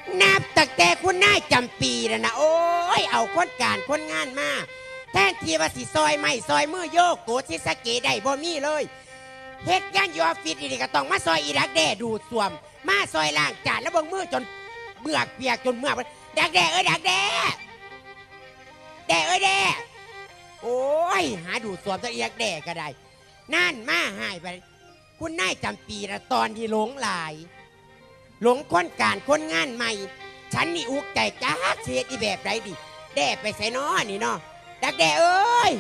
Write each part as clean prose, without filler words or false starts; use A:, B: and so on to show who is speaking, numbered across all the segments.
A: นับตั้งแต่คุณนายจำปีแล้วนะโอ้ยเอาคนการคนงานมาแทนที่ว่าสิซอยไม่ซอยมือโยกโกชิสเกะได้บ่มีเลยเฮ็ดงานอยู่ออฟฟิศนี่ก็ต้องมาซอยอีดักแด่ดูดสวมมาซอยล้างจานแล้วเบิ่งมือจนเมือกเปียกจนเมือกดักแด่ดักแด่แด่แด่โอ้ยหาดูดสวมจะอีดักแด่ก็ได้นั่นมาหายไปคุณนายจำปีละตอนที่หลงหลายหลงคนการคนงานใหม่ฉันนี่อุกใจจ้าเสียดีแบบไรดิแด่ไปใส่น้อนี่เนาะดักแด่เอ้ย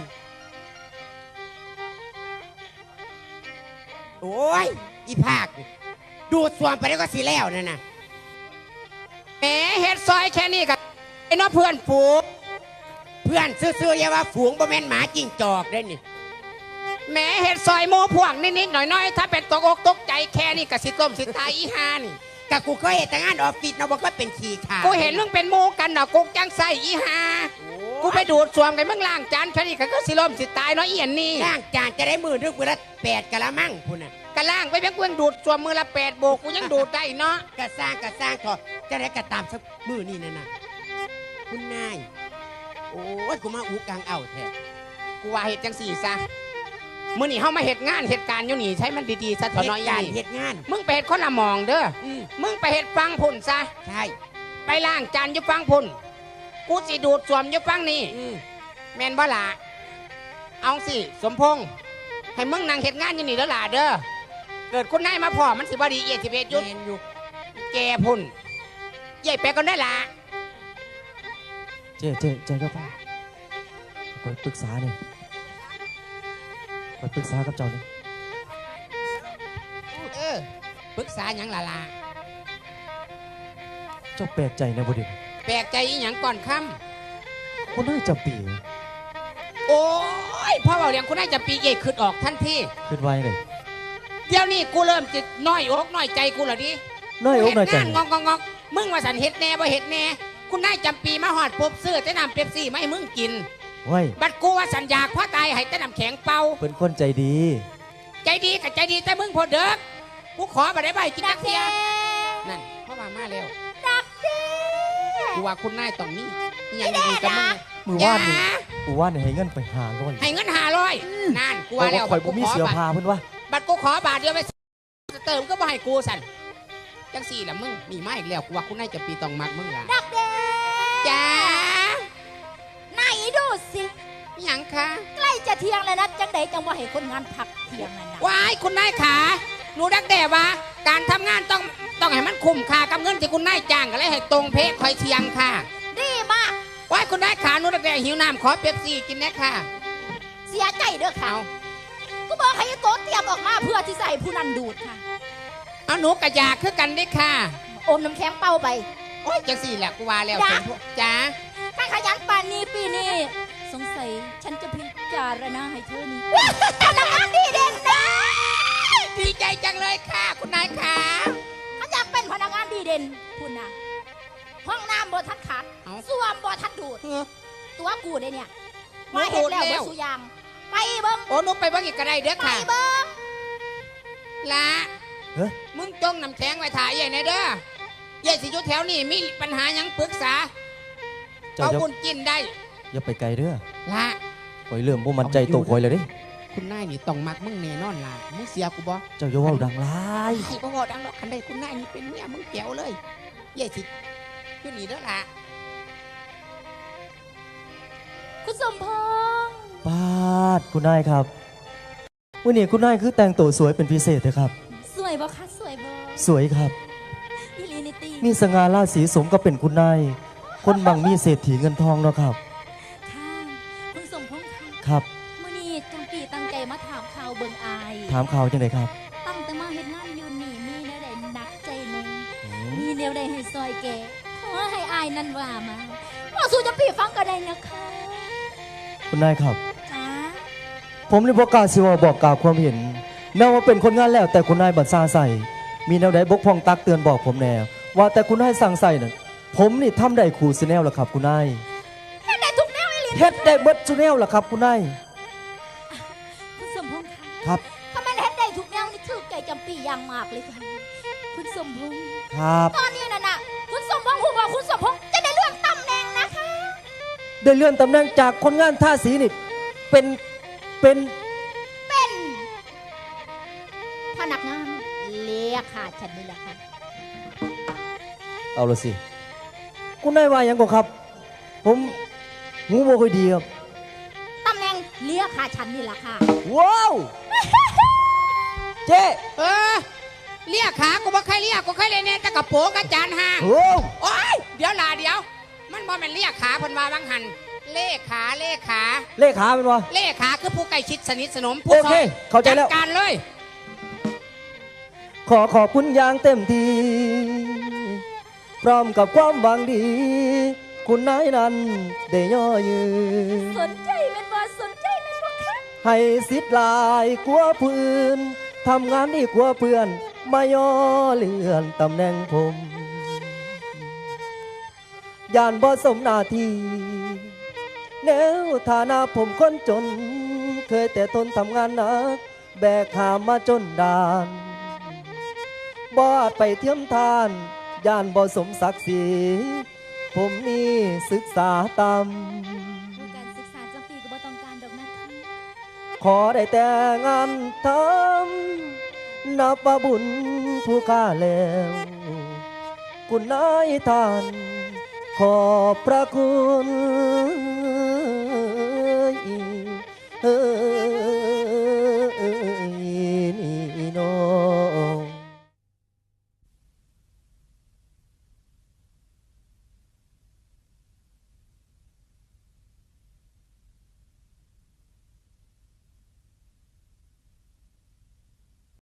A: โอ้ยอีภาคดูดสวมไปแล้วก็สิแล้วนั่นน่ะ
B: แหมเฮ็ดซอยแค่นี้กับไอ้น้อเพื่อนฝูง
A: เพื่อนซื่อๆอย่าว่าฝูงบ่แม่นหมาจิ้งจอกได้นี่
B: แหมเฮ็ดซอยโมพวกนิดๆหน่อยๆถ้าเป็นตกอกตกใจแค่นี้กับสิต้มสิตายอีห่านี่
A: กะกูเคยเห็นแต่งานออฟฟิศนะว่าก็เป็นขี้ขา
B: กูเห็นมึงเป็นโมกันน่ะกูจังใส่อีห่ากูไปดูดสวมกันมึงล้างจานแค่นี้ก็สิล้มสิตายเนาะเอียนนี่
A: ล้างจานจะได้มือนึกมือละ8กะละมังพุ่นน่ะ
B: กะล่างไปเพียงกูยังดูดสวมมือละ8 โบกกูยังดูดได้เนาะ
A: กะสร้างเถอะจะได้กะตามสักมือนี่นั่นน่ะคุณนายโอ้ยกูมาอูกลางเอาแท้
B: กูว่าเฮ็ดจังสี่ซะมื้อนี้เฮามาเฮ็ดงานเหตุการณ์อยู่นี่ใช้มันดีๆซะเถอะน้อยใหญ่
A: เฮ็ดงาน
B: มึงไปเฮ็ดคนละมองเด้อมึงไปเฮ็ดฟังพุ่นซะ
A: ใช่
B: ไปล้างจานอยู่ฟังพุ่นกูสิดูดสวมอยู่ฟังนี่แม่นบ่ล่ะเอาสิสมพงษ์ให้มึงนั่งเฮ็ดงานอยู่นี่แล้วล่ะเด้อเกิดคุณนายมาพ่อมันสิบ่ดี11ยุดแกพุ่นใหญ่ไปก่อนได้ล่ะ
C: เจ๊ก็ฟังคอยปรึกษาเนี่ยคอยปรึกษากับเจ้าเนี่ย
B: ปรึกษาหยังล่ะ
C: เจ้าแปลกใจนะบุดิน
B: แปลกใจอีหยังก่อนค่
C: ำคนน่าจะปี
B: โอ้ยพ่อเบาเลี้ยงคุณนายจะปีใหญ่ขึ้นออกทันที
C: ขึ้นไว้เลย
B: เดี๋ยวนี้กูเริ่มจิตน้อยอกน้อยใจกูเหรอดิ
C: น้อยอกน้อยใจ
B: งอกมึงว่าสันเฮ็ดแน่บ่เฮ็ดแน่คุณนายจำปีมาหอดปุ๊บซื้อแต่น้ำเป๊ปซี่มาให้มึงกินบัดกูว่าสัญญาพ่อตายให้แต่น้ำแข็งเป่า
C: เป็นคนใจดี
B: กับใจดีแต่มึงพอเด็กกูขอมาได้ใบกินนักเทียนั่นพ่อมาแล้ว
D: ดักเด้
B: กูว่าคุณนายต้องมีอย่างดีกับมึง
C: มือว่านให้เงินไป500
B: ให้เงิน500นั่นกูว่าแล้ว
C: ข่อยบ่มีเสือพาเพิ่นว่า
B: บัดกูขอบาทเดียวไปเติมก็บ่ให้กูสั่นจังสี่ล่ะมึงมีมาอีกแล้วกูว่าคุณนายจะปีต้องมักมึงล่ะ
D: ดักเด้
B: จ้า
D: ไหนดูสิ
B: หยังคะ
D: ใกล้จะเที่ยงแล้วนะจังใดจังว่าให้คนงานพักเที่ยงนั่นนะ
B: ว้ายคุณนายขาหนูดักแด่ว่าการทำงานต้องให้มันคุ้มค่ากับเงินที่คุณนายจ้างกันเลยให้ตรงเพศคอยเที่ยงค่ะ
D: ดีมาก
B: ว้ายคุณนายขาหนูดักแด่หิวน้ำขอเป๊ปซี่กินนะค่ะ
D: เสียใจเด้อเขาก็บอกให้โต๊ะเตรียมออกมาเพื่อที่ใส่ผู้นั้นดูดค่ะ
B: เอาหนูกระยาคือกันได้ค่ะ
D: อมน้ำแข็งเป้าไป
B: โอ้ยจังสี่แหละกูว่าแล้วจ้า
D: ถ้าขยันป่านนี้ปีนี้สงสัยฉันจะพิจารณาให้เธอนี่พนักงานดีเด่นนะ
B: ดีใจจังเลยค่ะคุณนายขา
D: ถ้าอยากเป็นพนักงานดีเด่นคุณนะห้องน้ำบ่ทันขาดส้วมบ่ทันดูดตัวกูได้เนี่ยมาเห็นแล้วบ่สุยางไปเบิ้ง
B: โอ้นุ๊กไปเบิ้งอีกก็ได้เด้อค่ะ
D: ไปเบิ้ง
B: ละมึงจงน้ำแข็งไว้ถ่ายใหญ่ในเด้อใหญ่สิยุแถวนี่มีปัญหายังปรึกษาเอาบุญกินได้
C: อย่าไปไกลเด้อ
B: ละ
C: คอยเริ่มบ่มั่นใจตัวคอยเลยดิ
B: คุณนายนี่ต้องมักมึงแน่นอนล่ะมึงเสียกูบ่
C: เจ้าอย่าว่าดังหลาย
B: ไอ้บ่ว่าดังหรอกคันใดคุณนายนี่เป็นเมียมึงแจ๋วเลยใหญ่สิอยู่นี่เด้อล่ะ
D: คุณสมพงษ์
C: ปาดคุณนายครับวันนี้คุณนายคือแต่งตัวสวยเป็นพิเศษเลยครับ
D: สวยบ่คะสวยบ่
C: สวยครับ
D: มี
C: สง่าราศีสมก็เป็นคุณนายคนบางมีเศรษฐีเงินทองเนาะครับ
D: ค่ะคุณสมพงษ์
C: ครับ
D: มื้อนี้จังปีตั้งใจมาถามข่าวเบิ่งอาย
C: ถามข่าวจังไดครับ
D: ตั้งแต่มาเฮ็ดงานอยู่นี่มีแนวใดหนักใจนึงมีแนวใดให้ซอยแกขอให้อายนั่นว่ามาว่าสู่จังปีฟังก็ได้นะคะ
C: คุณนายครับ
D: จ้า
C: ผมนี่บ่กล้าสิว่าบอกกล่าวความเห็นแม้ว่าเป็นคนงานแล้วแต่คุณนายบัดซาใส่มีแนวใดบกพร่องตักเตือนบอกผมแน่ว่าแต่คุณนายสั่งใส่น่ะผมนี่ทำได้ขู่ซีแนลล่ะครับคุณนาย
D: เฮ็ดได้ทุกแนวอีหลี
C: เฮ็ดได้เบิดซีแนลล่ะครับคุณนาย
D: คุณสมพงษ์
C: ครับ
D: ถ้ามันเฮ็ดได้ทุกแนวนี่ถูกใจจำปีอย่างมากเลยค่ะคุณสมพงษ์
C: ครับ
D: ตอนนี้น่ะคุณสมพงษ์คุณสมพงษ์จะได้เลื่อนตำแหน่งนะคะ
C: ได้เลื่อนตำแหน่งจากคนงานท่าสีนี่เป็น
D: เป็นพนักงานเลขาฉันนี่แหละค่ะ
C: เอาละสิคุณนายว่าหยังก่อนครับ ผมหูบ่ค่อยดีครับ
D: ตำแหน่งเลขาฉันนี่แหละค่ะ
C: ว้าว เจ๊
B: เออเรียกขากูบ่ใครเรียกกูใครเลยเนี่ยแต่กระโปรงกระจานห่าง
C: โอ้
B: โอ้ยเดี๋ยวลาเดี๋ยว มันบ่แม่นเรียกขาเพิ่นว่าบางหันเลขา
C: เลขาเป็นวะ
B: เลขาคือผู้ใกล้ชิดสนิทสนมผู้
C: โอเคเข้าใจแล้ว
B: จัดการเลย
C: ขอบคุณอย่างเต็มที่พร้อมกับความหวังดี คุณนายนั้นได้ย่อยืน
D: สนใจเป็นบ่สนใจเป็นบ่คะ
C: ให้สิทธิ์หลายกว่าเพื่อนทำงานดีกว่าเพื่อน มาย่อเลื่อนตำแหน่งผมย่านบ่สมหน้าที่แนวฐานะผมคนจน เคยแต่ทนทำงานหนัก แบกหามมาจนดานบอดไปเทียมทานย่านบ่สมศักดิ์ศรีผมนี่ศึกษาต่
D: การศึกษาจังปีก็บ่ต้องการดอกนะคะ
C: ำขอได้แต่งานทำนับว่าบุญผู้ค่าแล้ว คุณนายท่าน ขอบพระคุณ